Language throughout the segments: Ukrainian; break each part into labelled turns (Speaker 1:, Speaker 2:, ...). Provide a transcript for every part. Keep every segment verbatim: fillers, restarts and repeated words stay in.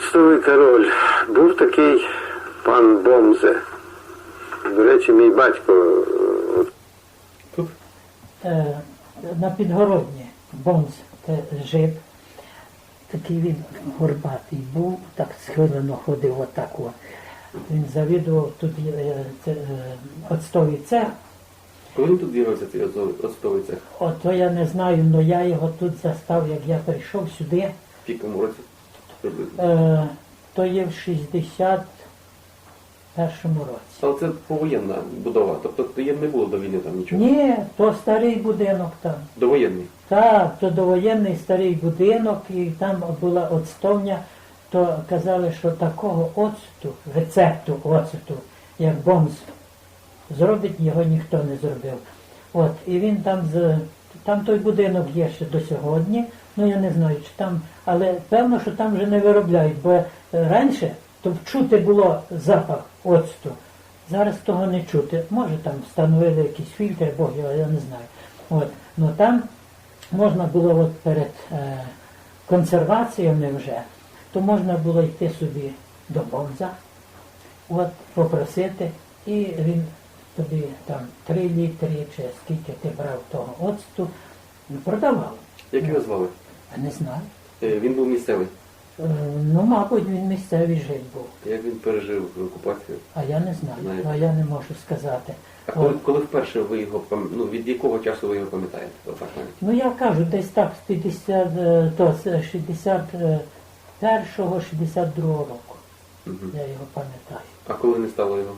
Speaker 1: Оцтовий король. Був такий пан Бомзе. До речі, мій батько.
Speaker 2: Тут?
Speaker 3: Е, на Підгородні Бомз це жив. Такий він горбатий був, так схилено ходив отак. О. Він завідував тут е, це, е, оцтовий цех.
Speaker 2: Коли він тут з'явився, цей оцтовий- оцтовий цех?
Speaker 3: От то я не знаю, але я його тут застав, як я прийшов сюди.
Speaker 2: В якому році? Приблизно.
Speaker 3: Е, то є в шістдесят першому році.
Speaker 2: Але це повоєнна будова, тобто тоді не було до війни там нічого?
Speaker 3: Ні, то старий будинок там.
Speaker 2: Довоєнний?
Speaker 3: Так, то довоєнний старий будинок, і там була оцтовня, то казали, що такого оцту, рецепту оцту, як Бомз зробить, його ніхто не зробив. От, і він там, з, там той будинок є ще до сьогодні, ну я не знаю, чи там, але певно, що там вже не виробляють, бо е, раніше то чути було запах оцту, зараз того не чути. Може там встановили якісь фільтри, Бог його, я не знаю. От, ну там можна було от перед е, консерваціями вже, то можна було йти собі до Бомза, от, попросити, і він тобі там три літри, чи скільки ти брав того оцту, продавав.
Speaker 2: Як його звали?
Speaker 3: А не знаю.
Speaker 2: Е, Він був місцевий.
Speaker 3: Е, Ну, мабуть, він місцевий жив був.
Speaker 2: Як він пережив окупацію?
Speaker 3: А я не знаю,
Speaker 2: Знаєте.
Speaker 3: а я не можу сказати.
Speaker 2: А коли,
Speaker 3: От.
Speaker 2: коли вперше ви його, пам- ну від якого часу ви його пам'ятаєте? Отак навіть.
Speaker 3: Ну я кажу, десь так з п'ятдесят, е, то з шістдесят першого шістдесят другого року.
Speaker 2: Мгм.
Speaker 3: Я його пам'ятаю.
Speaker 2: А коли не стало його?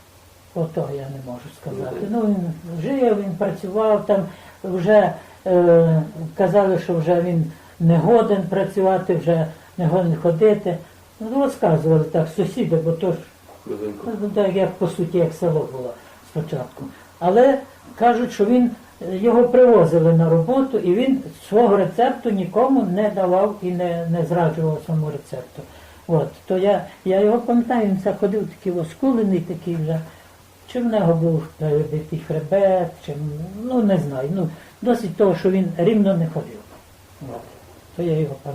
Speaker 3: Ото я не можу сказати.
Speaker 2: Ну,
Speaker 3: Ну він жив, він працював там, вже е, казали, що вже він не годен працювати, вже не годен ходити. Ну, розказували так сусіди, бо то ж
Speaker 2: Близенько.
Speaker 3: ну, так, як по суті, як село було спочатку. Але кажуть, що він його привозили на роботу, і він свого рецепту нікому не давав і не, не зраджував своєму рецепту. От, то я, я його пам'ятаю, він це ходив такий оскулений, такий вже. Чи в нього був перебитий хребет, чи, ну не знаю, ну, досить того, що він рівно не ходив. От, то я його пам'ятаю.